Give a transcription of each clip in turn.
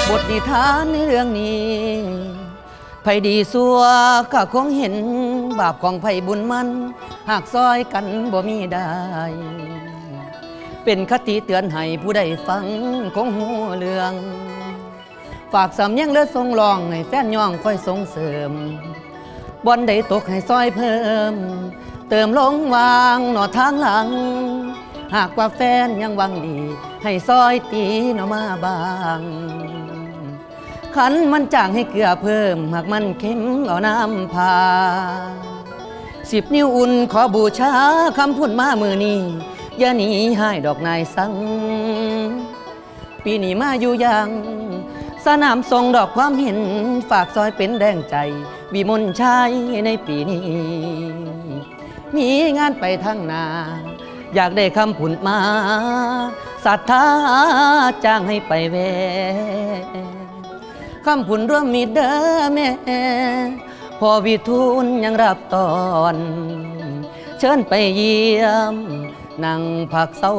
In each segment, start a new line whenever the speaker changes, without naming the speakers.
บทนิทานในเรื่องนี้ไผดีสัวก็คงเห็นบาปของไผบุญมันหากซอยกันบ่มีได้เป็นคติเตือนให้ผู้ใดฟังคงหูเรื่องฝากสำเนียงเลือทรงลองให้แฟนย่องค่อยส่งเสริมบอนใดตกให้ซอยเพิ่มเติมลงวางหนอทางหลังหากว่าแฟนยังหวังดีให้ซอยตีหนอมาบางขันมันจางให้เกลือเพิ่มหากมันเค็มเอาน้ำพา10 นิ้วอุ่นขอบูชาคำพูดมามือนี้อย่าหนีให้ดอกนายสังปีนี้มาอยู่ยังสนามทรงดอกความเห็นฝากซอยเป็นแดงใจวิมลชัยในปีนี้มีงานไปทางนาอยากได้คำผุนมาศรัทธาจ้างให้ไปแวคำผุนร่วมมีเด้อแม่พอวิทูลยังรับตอนเชิญไปเยี่ยมนั่งผักเศร้า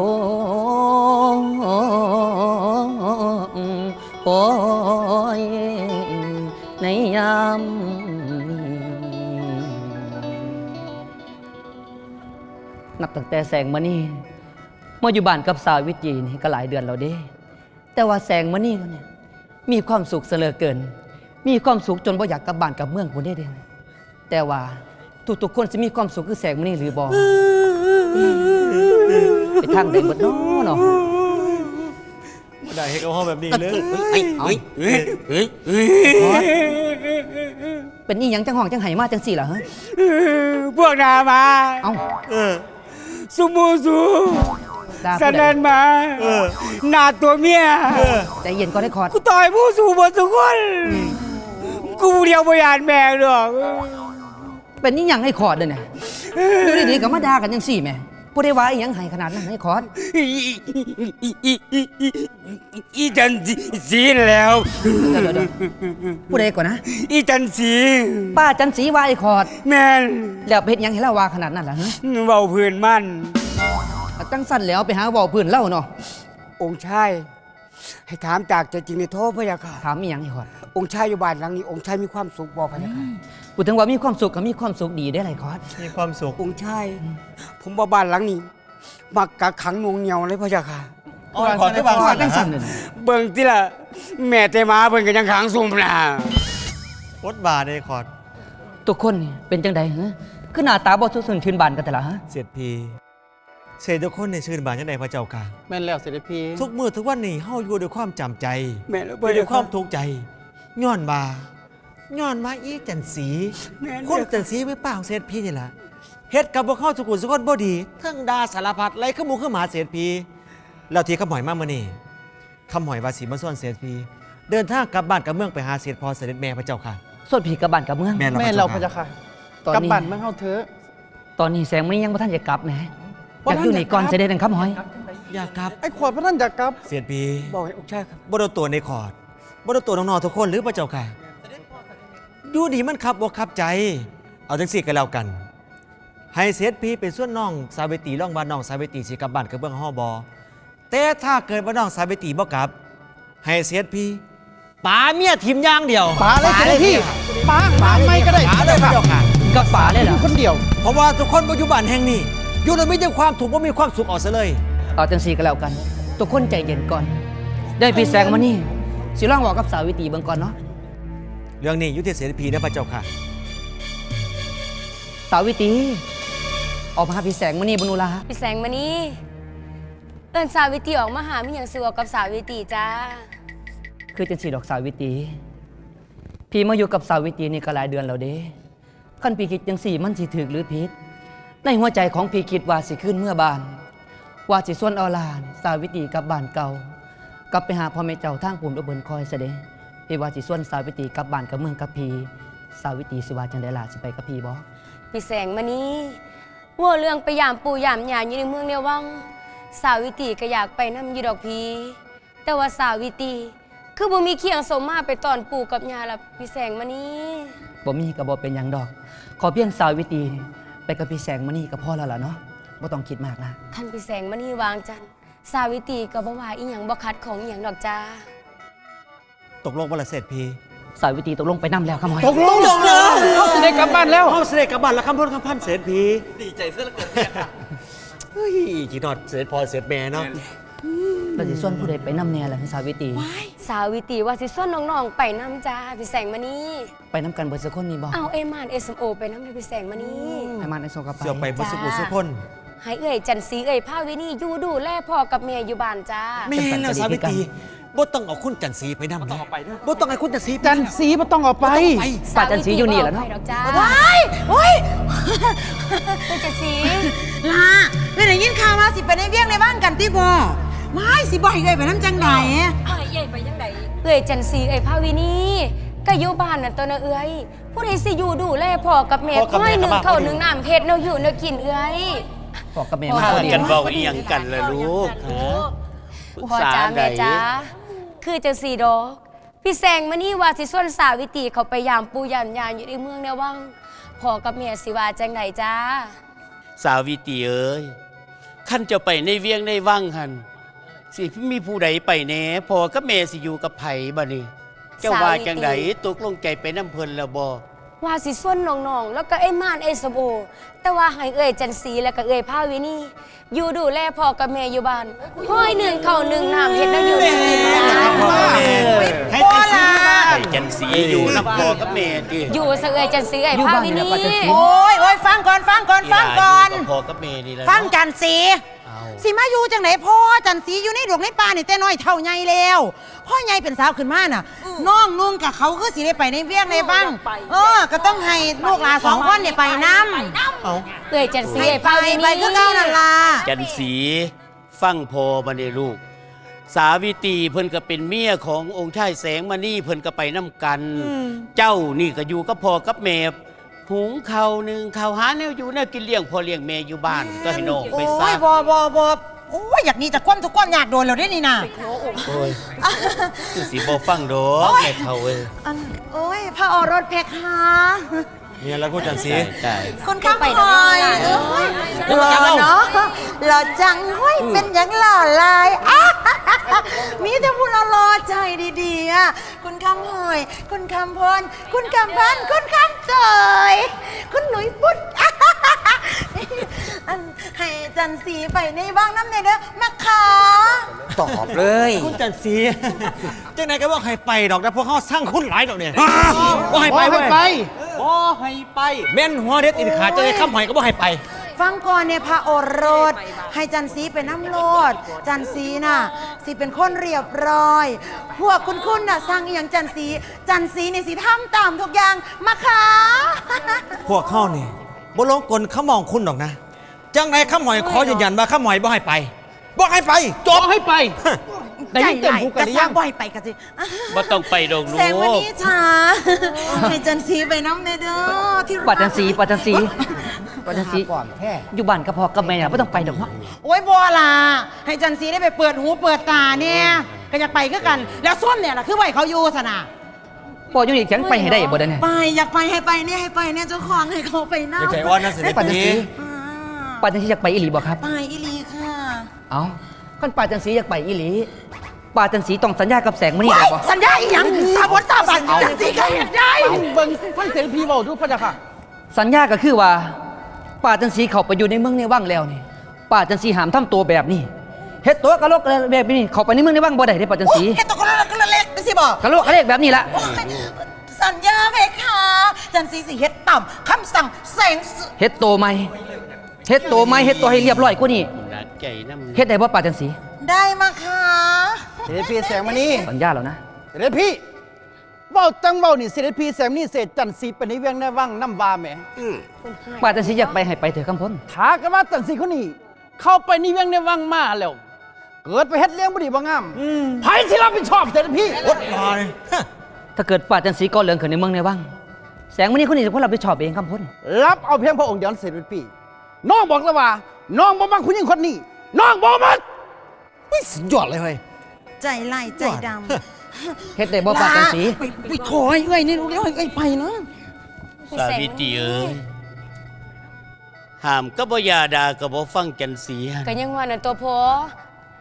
โอ้ยในยามนับตั้งแต่แสงมานี่มาอยู่บ้านกับสาววิจีนี่ก็หลายเดือนแล้วเด้แต่ว่าแสงมานี่เนี่ยมีความสุขเสลอเกินมีความสุขจนบ่อยากกลับบ้านกลับเมืองคนได้เด้แต่ว่าทุกคนจะมีความสุขคือแสงมานี่หรือบ่ไปทางใดหมดเนาะ
ไม่ได้ให้เขาห้องแบบนี้เลย
เป็นนี่ยังจังห้องจังไห้มาจังสี่เหรอฮะ
พวกนามา
เอ้า
สุมูสูสนันมาหน้าตัวเมีย
ใจเย็นก็ได้คอร์ด
กูต่อยผู้สูหมดทุกคนกูเดียวพยานแม่หรอก
เป็นนี่ยังให้คอร์ดเลยเนี่ยดูดีๆกับมาด่ากันยังสี่แม่ผู้ได้ว่ายังไห้ขนาดนั้นให้คอร์ด
อีจันสีแล้ว
ผู้ใดก่อนนะ
อีจันสี
ป้าจันสีว่าไอ้คอร์ด
แม่
แล้วเพชรยังให้เล่าว่าขนาดนั้นเหรอฮะ
เบาพื้นมั่น
ตั้งสั้นแล้วไปหาเบาพื้นเล่าเนาะ
องค์ชายให้ถามจากใจจริงในโทษพระยาค่ะ
ถามมียังไอ้คอร์ด
องค์ชายอยู่บ้านหลังนี้องค์ชายมีความสุขบ่พระยาค่ะ
พูดถึงว่ามีความสุขก็มีความสุขดีได้ไรคอร์ด
มีความสุข
องค์ชายผมว่าบ้านหลังนี้มักกักขังนวงเหนียวเลยพระยาค่ะ
ขอที่บางสัน
ตั้งสั้นเลย
เบิ่งที่ละแม่เตมาเบิ่งกันยังขังซุ่มนะ
วดบาได้คอร์ด
ทุกคนเป็นจังใดฮะคือหน้าตาบ่ทุกส่วนชื่นบานกันแต่ละฮะ
เสียดพีเสียทุกคนในชื่นบานยังไงพระเจ้ากา
แม่นแล้วเสด็จพี่
ทุกมื้อทุกวันนี้เฮาอยู่ด้วยความจำใจ
แม่แล้ว
ด้วยความทุกข์ใจย้อนมาอีจันสีคนจันสีไม่ป้าของเสียดพีนี่แหละเฮ็ดกับพวกเขาสุขุมสุขคนบ่ดีทั้งดาสารพัดไล่ขมูขึ้นมาเสียดพีแล้วที่คำหอยมาเมื่อนี้คำหอยว่าสีมาส่วนเสียดพีเดินทางกลับบ้านกับเมืองไปหาเสียดพอเสด็จแม่พระเจ้าค่ะ
ส่วนผีกับบ้านกับเมือง
แม่เราพระเจ้าค่ะกลับบ้านเมืองเฮาเถอะ
ตอนนี้แสงมันยังบ่ทันจะกลับนะอยากอยู่นี่ก่อนเสด็จคำหอย
อยากกลับ
ไอ้ขวดพระท่านอยากกลับ
เสียดพี
บอกให้องค์ชายครับ
บ่ได้ตัวในขอดบ่ได้ตัวน้องๆทุกคนหรือพระเจ้าค่ะอยู่ดีมันขับอกขับใจเอาจังสี่กันแล้วกันให้เสียดพีเป็นส่วนน้องสาวิตรีร่องบ้านน้องสาวิตรีสิกลับบ้านกับเบื้องห้อบอแต่ถ้าเกิดว่าน้องสาวิตรีบ่กลับให้เสียดพีป๋าเมียทีมย่างเดียว
ป๋าเลยเสด็จพี่ป๋าไม่ก็ได้
ป๋าเลยพระเจ้าค่ะ
กับป๋าเลยเหรอ
คนเดียว
เพราะว่าทุกคนบ่อยู่บ้านแห่งนี้อยู่โดยไม่ได้ความถูกบ่มีความสุขออกซะเลย
เอาจังสี่กันแล้วกันทุกคนใจเย็นก่อนได้พี่แสงมานี่สิลองบอกกับสาวิตรีเบิ่งก่อนเนาะ
เรื่องนี้อยู่ที่เสด็จพีนะพระเจ้าค่ะ
สาวิตรีออกมาหาพี่แสงมานี่บนุลา
พี่แสงมานี่เอิญสาวิตรีออกมาหามีอย่างสิวกับสาวิตรีจ้า
คือจังสี่ดอกสาวิตรีพี่มาอยู่กับสาวิตรีนี่ก็หลายเดือนแล้วเด้ขั้นพี่คิดจังสี่มันสิถึกหรือผิดในหัวใจของพี่คิดว่าสิขึ้นเมื่อบานว่าสิส่วนเอาลานสาวิตรีกลับบ้านเก่ากลับไปหาพ่อแม่เจ้าทางปุ่มอุบลคอยเสด็จพี่ว่าสิส่วนสาวิตรีกลับบ้านกับเมืองกับพี่สาวิตรีสิว่าจังได๋ล่ะสิไปกับพี่บ่
พี่แสงมานี่ว่าเรื่องไปยามปู่ยามยาอยู่ในเมืองเนี่ยวังสาวิตรีก็อยากไปนำอยู่ดอกพี่แต่ว่าสาวิตรีคือบ่มีเคียงสมมาไปตอนปู่กับยาล่ะพี่แสงมานี่
บ่มีก็บ่เป็นหยังดอกขอเพียงสาวิตรีไปกับพี่แสงมานี่ก็พอแล้วล่ะเนาะบ่ต้องคิดมากนะ
คันพี่แสงมานี่วางจันสาวิตรีก็บ่ว่าอีหยังบ่คัดของอีหยังดอกจ้า
ตกลงว่าละเสร็จพี่
สาวิตรีตกลงไปนำแล้วครับหมอย
ตกลงเขาสิได้กลับบ้านแล้ว
เอาเสด็จกลับบ้านแล้วคำพูดคำพันเสร็จพี่ดีใจเสื้อละเกินเฮ้ยจีนอดเสร็จพอเสร็จแม่เนาะ
เราสิส่วนผู้ใดไปนำแน่ล่ะสาวิตรี
สาวิตรีว่าสิส่วนน้องๆไปน้ำจ้าพี่แสงมานี่
ไปนำกันเบิดสักคนนี่บ่
เอาเอมานเอสโอไปน้ำเลยพี่แสงมานี่
ให้มาในโซกับไป
เสือไปบสุกุสุคน
ให้เอ่ยจันสีเอ่ยผ้าวินี่อยู่ดูแลพ่อกับเมียอยู่บ้านจ้า
แม่แล้วสาวิตรีบ่ต้องเอาคุณจันทร์ศรีไปนำนะบ่ต้องให้คุณจันทร์ศรี
จันสีบ่ต้องเอาไป
ป้าจันสีอยู่นี่แหละเนาะ
ไปดอกจ้า
ว้ายโอ้ย
เป็นจันสี
ลาไม่ได้ยินข่าวมาสิไปในเวียงในบ้านกันติบ่ไม่สิบ่อยเลยไปน้ำจังได
เอ่ยจันสีเอ่ยผ้าวินี่ก็อยู่บ้านน่ะตัวนะเอ่ยผู้ใดสิอยู่ดูแลพ่อกับเมียค่อยหนึ่งเข้าวหนึ่งน้ำเผ็ดเนาอยู่เนากินเอ่ย
บอกกับแม่
พ่อ
มา
พ
พ
อ
อ
ดี
ดี
กันเบาอีหยังกันล่ะลูกฮะปรึก
พ่อ
ษา
จ้า
ใด
แม่จ้าคือจังสีดอกพี่แสงมานี่ว่าสิส่วนสาวิตรีเขาไปยามปูยามยานอยู่ในเมืองแนววังพ่อกับเมียสิว่าจังไหนจ้า
สาวิตรีเอ้ยขั้นจะไปในเวียงในวังหันสิมีผู้ใดไปแหน่พอกับแม่สิอยู่กับไผบ่นี่เจ้าว่าจังไดตกลงใจไปน้ำเพิ่นแล้วบ่
ว่าสิส่วนน้องๆแล้วก็ไอ้ม่านไอ้สมโอแต่ว่าให้เอ่ยจันสีแล้วก็เอ่ยผ้าวินี่อยู่ดูแลพ่อกับแม่อยู่บ้านห้อยหนึ่งเข้าวหนึ่งน้ำเฮ็ดแนวอยู่ในกินจ้า
ให้จันทร์ศรี
ไอ้จันสีอยู่น้ำพอกับแม่ดิ
อยู่ซะเอ่ยจันสีเอ่ยผ้าวินี่
โอ้ยฟังก่อนฟังก่อนฟังก่อน
พอกับแม่นี่แหละ
ฟังจันสี
เอา
สิมาอยู่จังไหนพ่อจันสีอยู่ในดวงในป่านี่แต่น้อยเท่าใหญ่แล้วพ่อใหญ่เป็นสาวขึ้นมาน่ะน้องนุ่งกับเขาคือสิได้ไปในเวียงในบ้างก็ต้องให้ลูกหลานสองคนเนี่ยไปน้ำ
เอา
เอ่ยจันสี
ให้
เอ่ย
ไป
ผ้าวิ
ไป
นี่
คือเก้านั่นล่ะ
จันสีฟังพอมาในลูก สาวิตรีเพิ่นก็เป็นเมียขององค์ชายแสงมานี่เพิ่นก็ไปน้ำกัน เจ้านี่ก็อยู่กับพ่อกับแม่หุงข้าวหนึ่งข้าวหาแนวอยู่แนวกินเลี้ยงพ่อเลี้ยงแม่อยู่บ้านก็ให้น้องไป
โอ้
ซะ
ยบโอ้ยอยากหนี้จากความทุกข์ความยากโดนเราได้นี่นะ
โอ้ยคือสิบ่ฟังดอกแม่เฒ่าเอ้ย
โอ้ยพระโอรสเพคะ
เนี่ยแล้วคุณจันทร์ศรี
ได้
คุณข้ามพลอยหล่อเนาะหล่อจังห้ยเป็นอย่างหล่อลายมีแต่พูดหล่อใจดีๆอ่ะคุณข้ามพลอยคุณข้ามพลคุณข้ามพันคุณข้ามเตยคุณหนุ่ยปุ๊ดอันให้จันสีไปในบ้างน้ำในเด้อมาขา
ตอบเลย
คุณจันทร์ศรีจังไหนก็บอกให้ไปดอกนะพวกเขาสร้างคุณหลายดอกเนี่ยบ่ให้ไปเว้ย
บ่ให้ไป
แม่นหัวเด็ดอินขาดจะได้ข้ามหอยก็บ่ให้ไป
ฟังก่อนเนี่ยพระโอรสให้จันสีเป็นน้ำโลดจันสีน่ะสิเป็นคนเรียบร้อย พวกคุณน่ะสั่งอหย่างจันสีนี่สิทำตามทุกอย่างมาค่ะ
พวกเขานี่บ่ลงกลเขามองคุณดอกนะ จังไหนข้ามหอยขอยืนยันว่าข้ามหอยบ่ให้ไปบ่ให้ไปจบ
ให้ไป ได้ยินเต็มหูกันหรือยัง
บ่อยไปกันสิ
บ่ต้องไปดอกลู
แสงวัน
ก
นี้ช้าให้จันสีไปน้ำในเด้อที่รัก
ป้าจันสีป้าจันสีป้าจันสีอยู่บ้านกับพ่อกับแม่ไม่ต้องไปดอกเนาะ
โอ้ยบัวล่ะให้จันสีได้ไปเปิดหูเปิดตาเนี่ยก็อยากไปก็กัน แล้วส้วมเนี่ยล่ะคือไหวเขาอยู่สนะ
พ่ออยู่นี่แข็งไปให้ได้บ่ได้เนี่ย
ไปอยากไปให้ไปเนี่ยเจ้าของให้เขาไปนั่
อย่าใจอ่อนนะเสด็จ
ป้าจัน
พี
สีป้าจันสีอยากไปอีหลีบ่ครับ
ไปอีลีค่ะ
เอาขั้นป้าจันสีอยากไปอีหลีป้าจันสีต้องสัญญากับแสงมณีได้บ่
สัญญาอีหยังสาบดสาบันจันสีก็เห็นได้
เบิ่งฟังเสียงพี่เว้าดูพระเจ้าค่ะ
สัญญาก็คือว่าป้าจันสีเข้าไปอยู่ในเมืองในวังแล้วนี่ป้าจันสีห้ามทำตัวแบบนี้เฮ็ดตัวกะโลกแบบนี้เข้าไปในเมืองในวังบ่ได้เด้ป้าจันสี
แค่ตัวคนละเล็กไปสิบอก
กะโลกกะเลกแบบนี้ละ
สัญญาเพคะจันสีสิเฮ็ดต่ำคำสั่งแสงสุ
เฮ็ดโตวใหม่เฮ็ดโตวใหม่เฮ็ดตัวให้เรียบร้อยกว่านี้
ดัดใจน้ำ
เฮ็ดได้บ่ป้าจันสี
ได้มาค่ะ
เสด็จพี่แสงมานี่
สัญญาแล้วนะ
เสด็จพี่เว้าจังเว้านี่เสด็จพี่แสงนี่เสร็จจันสีเป็นในเวียงในวังน้ำวาแหม
ป้าจันสีอยากไปให้ไปเถอะคำพ้น
ถากันว่าจันสีคนนี้ เข้าไปในเวียงในวังมาแล้ว เกิดไปเฮ็ดเลี้ยงบ่ดีบ่งามไผสิรับผิดชอบเสด็จพี่
อดรอเลย
ถ้าเกิดป้าจันสีก่อเรื่องขึ้นในเมืองในวังแสงมณีคนนี้จะคนรับผิดชอบเองคำพ้น
รับเอาเพียงพระองค์เดียวเสด็จพี่น้องบอกแล้วว่า น้องบ่มักคุณหญิงคนนี้ น้องบ่มัก
สุดยอดเลยเฮ้ย
ใจไล่ใจด
เฮ็ดได้บ่
ำ
ป้าจันสี
ไปขอให้เอ้ยนี่ลูกเลี้ยงเอ้ยไปนะ
สาวิตรีเอ้ยห้ามก็บ่ยาดาก็บ่ฟังจันสีหั่น
ก็ยังว่านั่นตัวพอ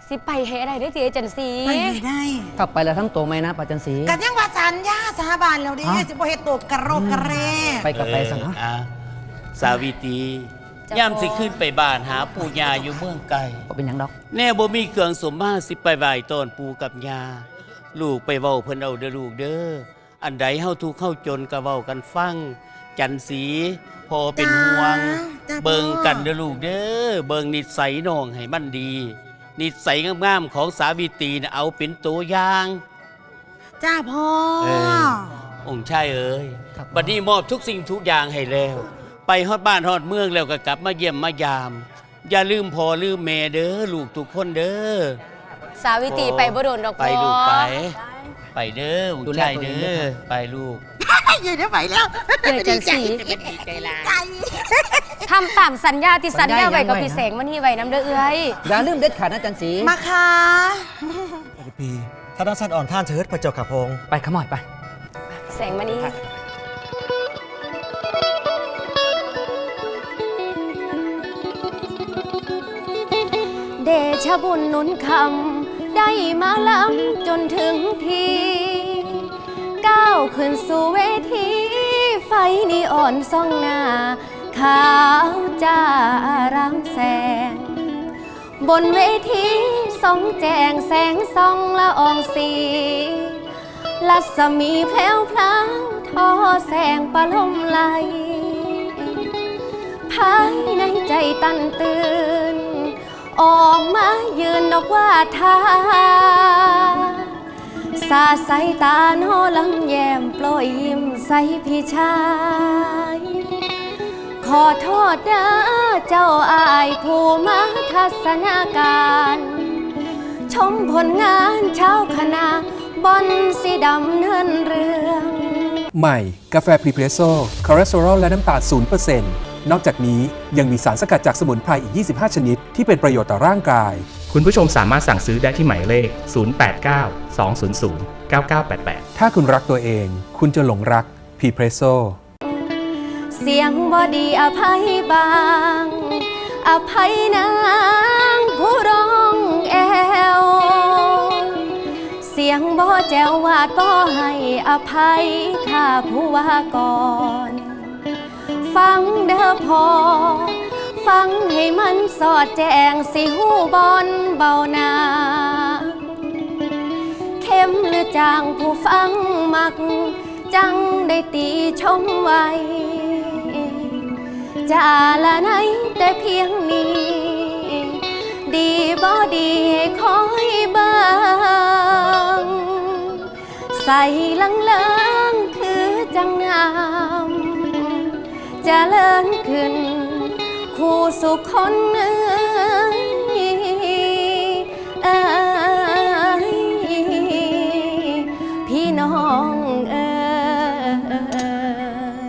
สิไปให้ได้ได้อติอาจันสี
ไปไม่ได้
กลับไปแล้วทั้งตัวไหมนะป้าจันสี
กันยังว่าสัญญาสาบานแล้วดิ
ฮะ
สิบ่เฮ็ดตกกระโรกกระเร
ไปกับไปซะนะ
สาวิตรีย่ำสิขึ้นไปบ้านหาปู่ย่าอยู่เมืองไกล
ก็เป็นหยังดอก
แน่บ่มีเครื่องสมมาสิไปไหว้ต้อนปู่กับย่าลูกไปเว้าเพิ่นเอาเด้อลูกเด้ออันใดเฮาทุกข์เฮาจนก็เว้ากันฟังจันสีพอเป็นห่วง
จ้า
เบิ่งกันเด้อลูกเด้อเบิ่งนิสัยน้องให้มันดี นิสัยงามๆของสาวิตรีน่ะเอาเป็นตัวอย่าง
จ้าพ่อ
เออ องค์ชายเอ๋ย
ครับ
บัดนี้มอบทุกสิ่งทุกอย่างให้แล้ว ไปฮอดบ้านฮอดเมืองแล้วก็กลับมาเยี่ยมมายาม อย่าลืมพ่อลืมแม่เด้อลูกทุกคนเด้อ
สาวิตรีไปบ่โดนดอก
ไป
พ่อ
ลูกไป ไปเด้ออง
ดู
ค์
แล
ชาย
ตัวเอ
เด้
ง
อ
ด้วยครับ
ไปลูก
ยืนได้ไหวแล้ว
เอ้ยจันสี
ใจ
ทำตามสัญญาที่สัญญาไว้กับพี่แสงมันนี่ไว้น้ำเด้อเอ้ย
อย่าลืมเด็ดขาดนะจันสี
มาค่ะ
ปีถ้าด้านสัตว์อ่อนท่านเถิดพระเจ้าข้าพง
ไปขมอยไป
แสงมันนี่เดชะบุญหนุนคำได้มาล้ำจนถึงทีก้าวขึ้นสู่เวทีไฟนีอ่อนส่องหน้า ขาวจ้ารางแสง บนเวทีส่องแจงแสงส่องละอองสีลัศมีแผลวพลางทอแสงประลมไหลภายในใจตันตื่น ออกมายืนนกว่าทาสาดสายตาโนลำแยมโปรยยิ้มใส่พี่ชาย ขอโทษเด้อเจ้าอายผู้มาทัศนาการ ชมผลงานเช้าคณะบอนสีดำเนินเรื่อง
ใหม่ กาแฟพรีเพรสโซ่คอเลสเตอรอลและน้ำตาล 0% นอกจากนี้ยังมีสารสกัดจากสมุนไพรอีก 25 ชนิด ที่เป็นประโยชน์ต่อร่างกาย
คุณผู้ชมสามารถสั่งซื้อได้ที่หมายเลข 089 200 9988
ถ้าคุณรักตัวเอง คุณจะหลงรักพรีเพรสโซ่
เสียงบอดีอภัยบาง อภัยนางผู้ร้องแอว เสียงบ่แจววาดบ่ให้อภัยข้าผู้ว่าก่อน ฟังเด้อพอ ฟังให้มันสอดแจงสิหูบอนเบาหนาเข้มหรือจางผู้ฟังมัก จังได้ตีชมไว้ จะละไหนแต่เพียงนี้ ดีบ่ดีให้คอยเบิ่งใส่ลังคือจังงามเจะเลินขึ้น คู่สุขคนเอ้ยพี่น้องเอ้ย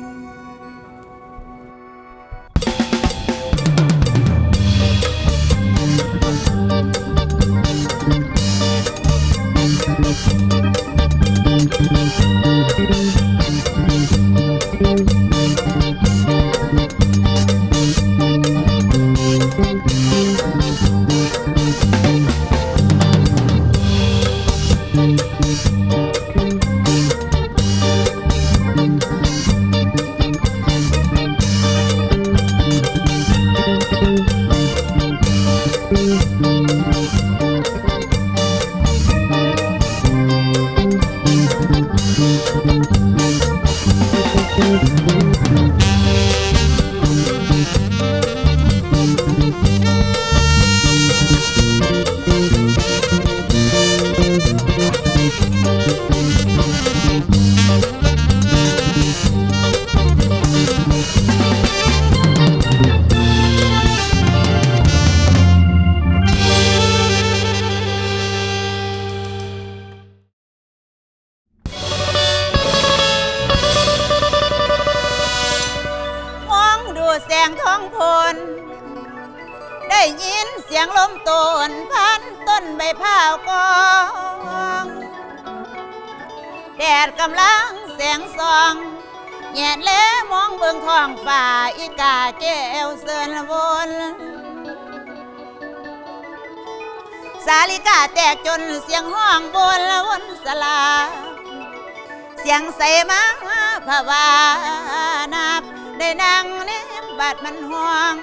มองดูแสงท้องพล ได้ยินเสียงลมโตนพันต้นใบพร้าวกองแดดกำลังแสงส่องแยดแลมองเบิ่งท้องฟ้าอีกาแก้วเสินวนสาลิกาแตกจนเสียงห้องบนละวนสลาเสียงใส่มาพะวานับได้นั่งเนมบาดมันห่วง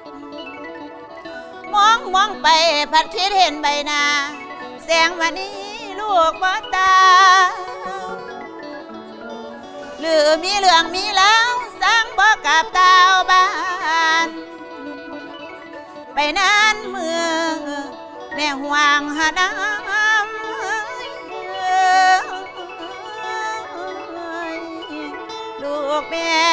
มองไปพัดคิดเห็นใบหน้าแสงวันนี้ลูกบ่ตาหรือมีเรื่องมีแล้วสั่งบอกกับดาวบ้านไปนานเมื่อแน่ห่วงหาน้ำลูกแม่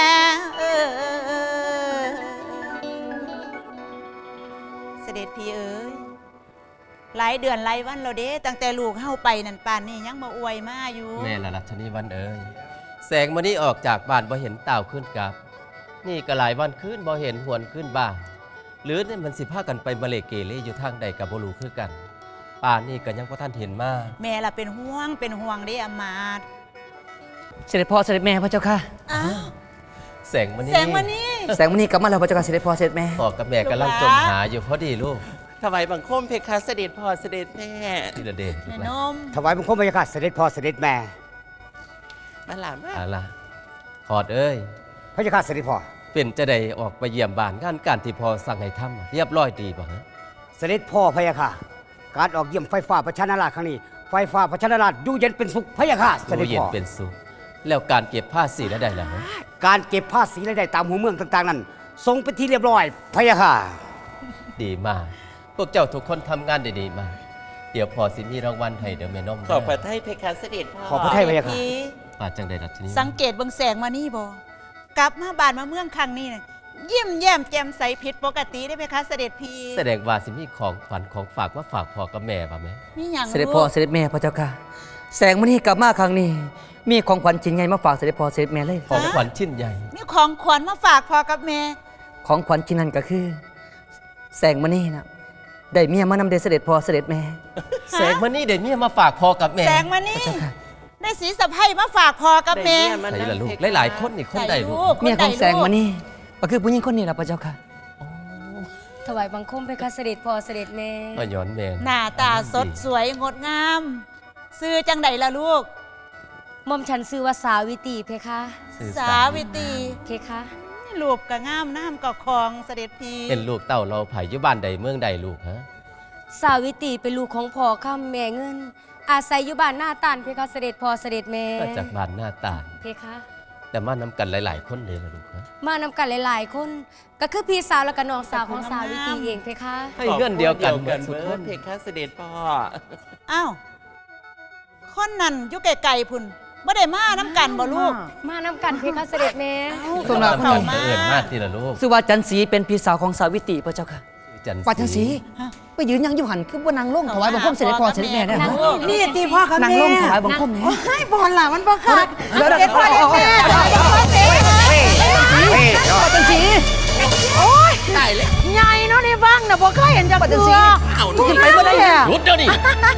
เสด็จพี่เอ๋ยหลายเดือนหลายวันเราเด้ตั้งแต่ลูกเข้าไปนั่นป่านนี่ยังมาอวยมาอยู่
แม่ละรัชนีวันเอ๋ยแสงมื้อนี้ออกจากบ้านบ่เห็นเต่าขึ้นกับนี่ก็หลายวันขึ้นบ่เห็นหวนขึ้นบ้านหรือเนี่ยมันสิพากันไปมาเลเกเรอยู่ทางใดกับบ่รู้คือกันป่านนี้ก็ยังบ่ทันเห็นมา
แม่ละเป็นห่วงเด้อำมาตย์
เสด็จพ่อเสด็จแม่พระเจ้าค่ะ
อ้าว
แสงมื้อนี้
แสงวันนี้
แสงมณีกลับมาแล้วพระเจ้าค่ะเสด็จพ่อเสด็จแม่
พ่อกับแม่กำลังจมหาอยู่พอดีลูก
ถวายบังคมเพคะเสด็จพ่อเสด็จแม่
ทีละเดชลู
แม่
กห
น
ลาน
ม
ถวายบังคมพระยาค่ะเสด็จพ่อเสด็จแม่
มาหลานมา
เอาล่ะขอดเอ้ย
พระยาค่ะเสด็จพ่อ
เป็นจะได้ออกไปเยี่ยมบ้านงานการที่พ่อสั่งให้ทำเรียบร้อยดีบ่ฮะ
เสด็จพ่อพระยาค่ะการออกเยี่ยมไฟฟ้าประชานาราชครั้งนี้ไฟฟ้าประชานาราชอยู่เย็นเป็นสุขพระยาค่ะเสด็จ
อยู่เย็น
พ่อ
เป็นสุขแล้วการเก็บผ้าสีแล้วได้แล้วฮะ
การเก็บภาษีรายได้ตามหัวเมืองต่างๆนั้นทรงเป็นที่เรียบร้อยพระยาค่ะ
ดีมากพวกเจ้าทุกคนทำงานได้ดีมากเดี๋ยวพ่อสิมีรางวัลให้เดี๋ยวแม่น้อง
ขอบพระทัยเพคะเสด็จพ่อ
ขอบพระทัยพระยาค่ะ
พี่
มาจังใดรัชนี
สังเกตเบิ่งแสงมานี่บ่กลับมาบ้านมาเมืองครั้งนี้น่ะยิ้มแย้มแจ่มใสผิดปกติได้ไหมคะเสด็จพี่
แสดงว่าสิมีของขวัญของฝากว่าฝากพ่อกับแม่ป่ะแม่
มีหยัง
เสด็จพ่อเสด็จแม่พระเจ้าค่ะ แสงมณีกลับมาครั้งนี้ มีของขวัญชิ้นใหญ่มาฝากเสด็จพ่อเสด็จแม่เลย
ของขวัญชิ้นใหญ่
มีของขวัญมาฝากพ่อกับแม่
ของขวัญชิ้นนั้นก็คือ แสงมณีนะได้เมียมานำเดชเสด็จพ่อเสด็จแม่
แสงมันนี่เดี๋ยวนี้มาฝากพ่อกับแม่
แสงมานี่
พระเจ้าค่ะ
ได้สีสะใภ้มาฝากพ่อกับแม่
ได้
ใส่
เย
ละลูก
เพคะ
หลายๆคนนี่คนใดลูก
เมียของแสงมณีก็คือผู้หญิงคนนี้แหละพระเจ้าค่ะ
ถวายบังคมเพคะเสด็จพ่อเสด็จแม่
มาย้อนแม่
หน้าตาสดสวยงดงาม ซื้อจังใดล่ะลูก
หม่อมฉันชื่อว่าสาวิตรีเพคะ
สื่อ
สาวิตรี
เพคะ
รูปก็งามน้ำก็คองเสด็จพี่
เป็นลูกเต้าเราไผ่อยู่บ้านใดเมืองใดลูกฮะ
สาวิตรีเป็นลูกของพ่อข้ามแม่เงิน อาศัยอยู่บ้านหน้าตานเพคะเสด็จพ่อเสด็จแม่
มาจากบ้านหน้าตาล
เพคะ
แต่มานำกันหลาย ๆ คนเลยล่ะลูกฮะ
มานำกันหลายๆ คน ก็คือพี่สาวและก็น้องสาวของสาวิตรีเองเพคะ
ให้เงื่อนเดียวกันหมดทุก
เบิ
ค
ร์
น
ดเพคะเสด็จพ่อ
อ้าวคนนั้นอยู่ไกลๆพุ่นบ่ได้มาน้ำกันบ่ลูก
มานำกันเพคะเสด็จแม่
ส่วนเรา
เข้ามา
เอิญมากทีละลูก
สุวาจันทร์ศรีเป็นพี่สาวของสาวิตรีพระเจ้าค่ะ
จันทร์
ปัจันทร์ศรีไปยืนยังอยู่หันคือว่านางลงถวายบังคมเสด็จพ่อเสด็จแม่ได้
นาง
ไหม
ลง
นี่ตีพ่อกับ
นาง
แม่
ลงถวายบังคมเนี่ย
ให้บอลล่ะมันบ่ขาด
เดี๋ยว
เด็ดพ่อเด็ดแม่ถวายบังคมเด็ด
ปัจันทร์ศรี
ใหญ่เนาะในบ้างน่ะบ่เคยเห็นจัก
ปัจันทร์ศ
เทื
รี
่อ
ขึ้นไปบ่ได้
หยุดเดี๋ยวนี้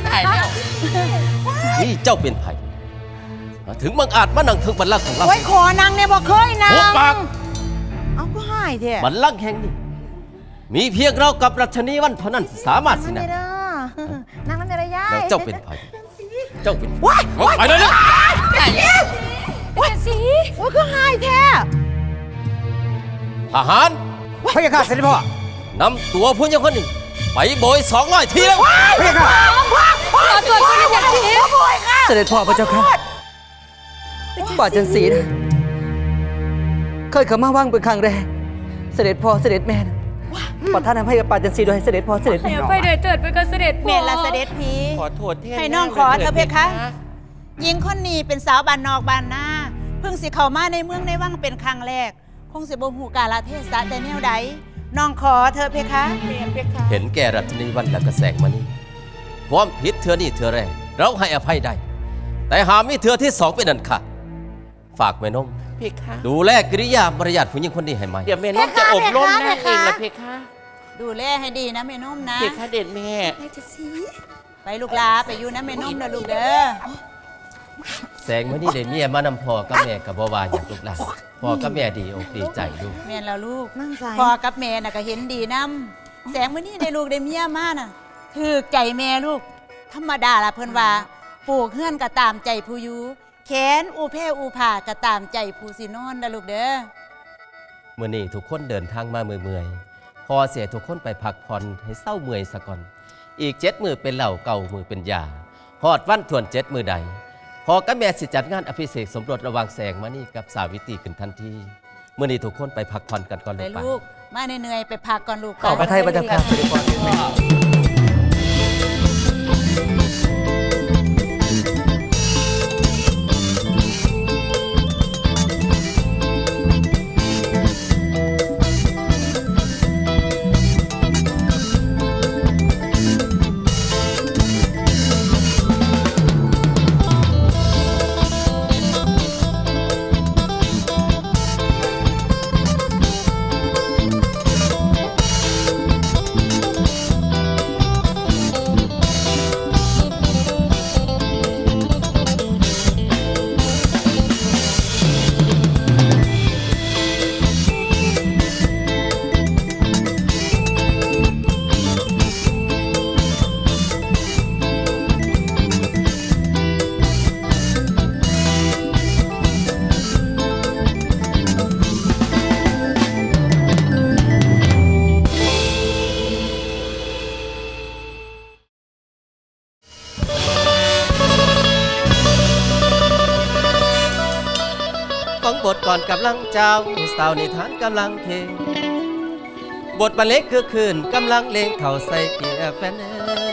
นี่เจ้าเป็นไผ่มาถึงบังอาจมานั่งถึงบัลลังก์ของเรา
โอ้ยขอนางเนี่ยบ่เคยนาง
หัวปาก
เอาก็หายแท้
บัลลังก์แห่งนี้มีเพียงเรากับรัชนีวันเท่านั้นสามารถสินะ
นางนั่นได้ย่า
แล้วเจ้าเป็นไผ่เจ้าเป็นไปเลยนะ
เป็นสี
โอ้ยก็หายแท้
ทหาร
พระยาค่ะเสด็จพ่อน
ำตัวผู้หญิงคนนี้ไปโบย200 ทีแล้ว
พระยาค่ะ
ขอตรวจคุณอย่างสี
เสด็จพ่อพระเจ้าค่ะปัจันทร์ศรีนะเคยเข้ามาว่างเป็นครั้งแรกเสด็จพ่อเสด็จแม่นะประทานอภัยกับปัจันทร์ศรีโดยให้เสด็จพ่อเสด็จแม่
ไปเดินเถิดเพคะเสด็จพ่อ
แม่ละเสด็จพี่
ขอโทษแทน
ให้น้องขอเธอะเพคะหญิงคนนี้เป็นสาวบ้านนอกบ้านนาเพิ่งสิเข้ามาในเมืองในวังเป็นครั้งแรก คงสิบ่ฮู้กาลเทศะแต่แนวใดน้องขอเธอะเพคะเพคะ
เห็นแก่รัชนีวันและกระแสงมานี่ความผิดเธอนี่เธอแรกเราให้อภัยได้ แต่หามีเธอที่สองเป็นอันขาดฝากแม่นม
เพคะ
ดูแลกิริยามารยาทผู้หญิงคนนี้ให้ไหม
เดี๋ยวแม่น้องจะอบรมนางเองนะเพคะ
ดูแลให้ดีนะแม่นุ่มนะ
เพคะเด็ดแม่
ไปลูกลาไปอยู่นะแม่นุ่มนะลูกเด้อ
แสงมานี่ได้เมียมานำพ่อกับแม่กับบ่าวาอย่างลูกหลานพ่อกับแม่ดีอกดีใจลูก
แม่นแล้วลูกพ่อกับแม่น่ะก็เห็นดีนํแสงมื้อนี้ได้ลูกได้เมียมาน่ะถือใจแม่ลูก ธรรมดาละเพิ่นว่าปลูกเฮือนก็ตามใจผู้อยู่แขนอูเพอูผ่าก็ตามใจผู้สินอนนะลูกเด้อ
มื้อนี้ทุกคนเดินทางมาเมื่อยๆพอเสียทุกคนไปพักผ่อนให้เศร้าเมื่อยซะก่อน อีก7 มื้อเป็นเหล้าเก่ามือเป็นยาฮอดวันทวน7 มื้อใดพอกับแม่สิจัดงานอภิเษกสมรสระหว่างแสงมณีกับสาวิตรีขึ้นทันทีมื้อนี้ทุกคนไปพักผ่อนกันก่อน
ไป
ลูกไป
ลูกมาเหนื่อยๆไปพักก่อนลูก
ขอพระไทยพระเจ้าค่ะเสด็จพ่อเสด็จแม่
ฟังบทก่อนกำลังเจ้าสาวนิทานกำลังเพลงบทบรรเลงคือคืนกำลังเลงเข่าใส่เกียร์แฟน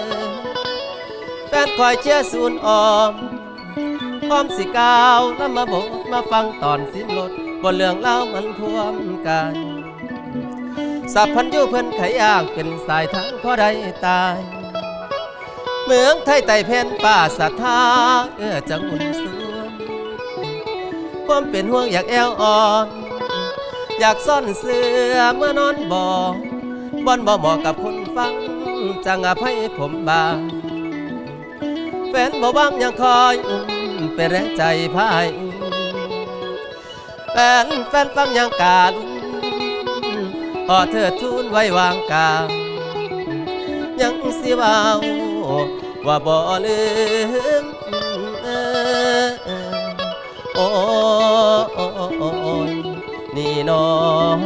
คอยเชียร์ศูนย์ออมพร้อมสิกาวแล้วมาบทมาฟังตอนสิ้นรถบนเรื่องเล่ามันพวมกันสับพันยุเพิ่นไขย่างเป็นสายทางพอได้ตายเมืองไทยไต่เพนป่าศรัทธาจังอุ่นสวนความเป็นห่วงอยากแอวอ่อนอยากซ่อนเสื้อเมื่อนอนบ่เหมาะกับคนฟังจังอภัยผมบางแฟนบ่บังยังคอยเป็นแรงใจพายแฟนฟังยังกาลุพอเธอทูลไว้วางกายังสิว่าบ่ลืมโอ้ยนี่น้อง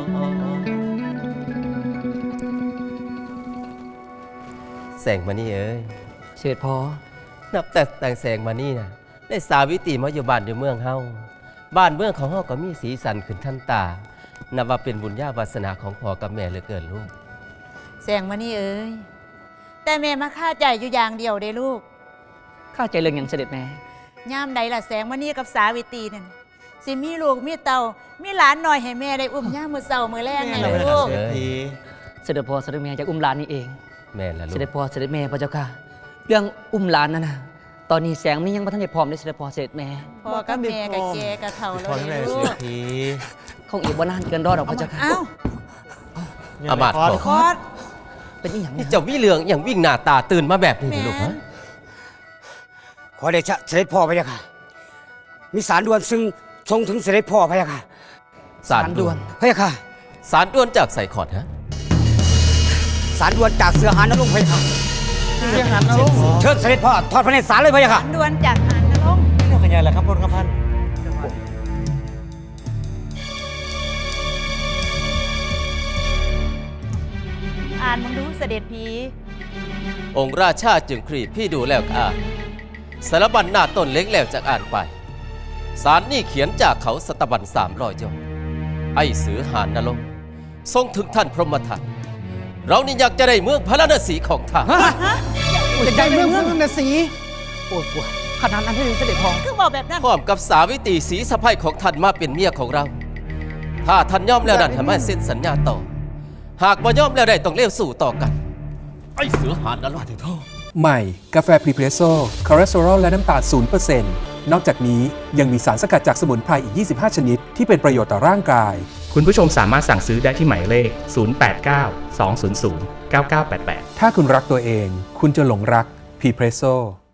แสงมานี่เอ้ย
เสด็จพ่อ
นับแต่แต่งแสงมานี่นะได้สาวิตรีมาอยู่บ้านอยู่เมืองเฮาบ้านเมืองของเฮาก็มีสีสันขึ้นทันตานับว่าเป็นบุญญาวาสนาของพ่อกับแม่เหลือเกินลูก
แสงมานี่เอ้ยแต่แม่มาฆ่าใจอยู่อย่างเดียวเด้ลูก
ข้าใจเรื่องอย่างเสด็จแม่
ย่ามใดล่ะแสงมานี่กับสาวิตรีนั่นสิมีลูกมีเต่ามีหลานหน่อยให้แม่ได้อุ้มย่ามมือเศร้ามือแรงไงลูก
เสด็จพ่อเสด็จแม่จากอุ้มหลานนี่เอง
แม่ละลู
เส
ก
ด็จพ่อเสด็จแม่พระเจ้าค่ะ เรื่องอุ้มหลานนั่นนะตอนนี้แสงมันยังบ่ทันได้พร้อมเลยเสด็จพ่อเสด็จแม่
พ่อกับแม่กับแกกับเฒ่าแล้วเด้ลูก
คงอีกบ่นานเกินรอดหรอกพระเจ้าค่ะ
อ้าว
อามาตย์
คอด
เป็นอีหยัง
นี่เจ้าวิเหลืองอย่างวิ่งหน้าตาตื่นมาแบบนี้นี่ลูกฮะ
ขอเดชะเสด็จพ่อพระยาค่ะ มีสารด่วนซึ่งทรงถึงเสด็จพ่อพระยาค่ะ
สารด่วน
พระยาค่ะ
สารด่วนจากใส่ขอดฮะ
สารด่วนจากเสือหานนรงค์พระยาค่ะ
เสียงหันนะลูก
เชิญเสด็จพ่อทอดพระเนตรสารเลยพระยาค่ะ
ดวนจากหานนรงค์
เรื่องขยายแหละครับพลครับพัน
อ่านมึงดูเสด็จพี
องค์ราชาจึงครีบพี่ดูแล้วก็อ่านสารบัญหน้าต้นเล็กแล้วจากอ่านไปสารนี่เขียนจากเขาสตบัญ300 ยอดไอ้เสือหานนรกทรงถึงท่านพรหมทัตเรานี่อยากจะได้เมืองพระนครศรีของท่าน
จะได้เมืองพระนครศรี
โอ้ยปวดขนาดนั้นเลยเสด็จพ่อ
คือบอกแบบนั้น
พร้อมกับสาวิตรีศรีสะใภ้ของท่านมาเป็นเมียของเรา ถ้าท่านยอมแล้วนั่นทำให้เซ็นสัญญาต่อ หากบ่ยอมแล้วได้ต้องเลี้ยวสู่ต่อกัน ไอ้เสือหานนรก
ใหม่ กาแฟพรีเพรสโซ่คอเลสเตอรอลและน้ำตาล 0% นอกจากนี้ยังมีสารสกัดจากสมุนไพรอีก 25 ชนิด ที่เป็นประโยชน์ต่อร่างกาย
คุณผู้ชมสามารถสั่งซื้อได้ที่หมายเลข 089 200 9988
ถ้าคุณรักตัวเอง คุณจะหลงรักพรีเพรสโซ่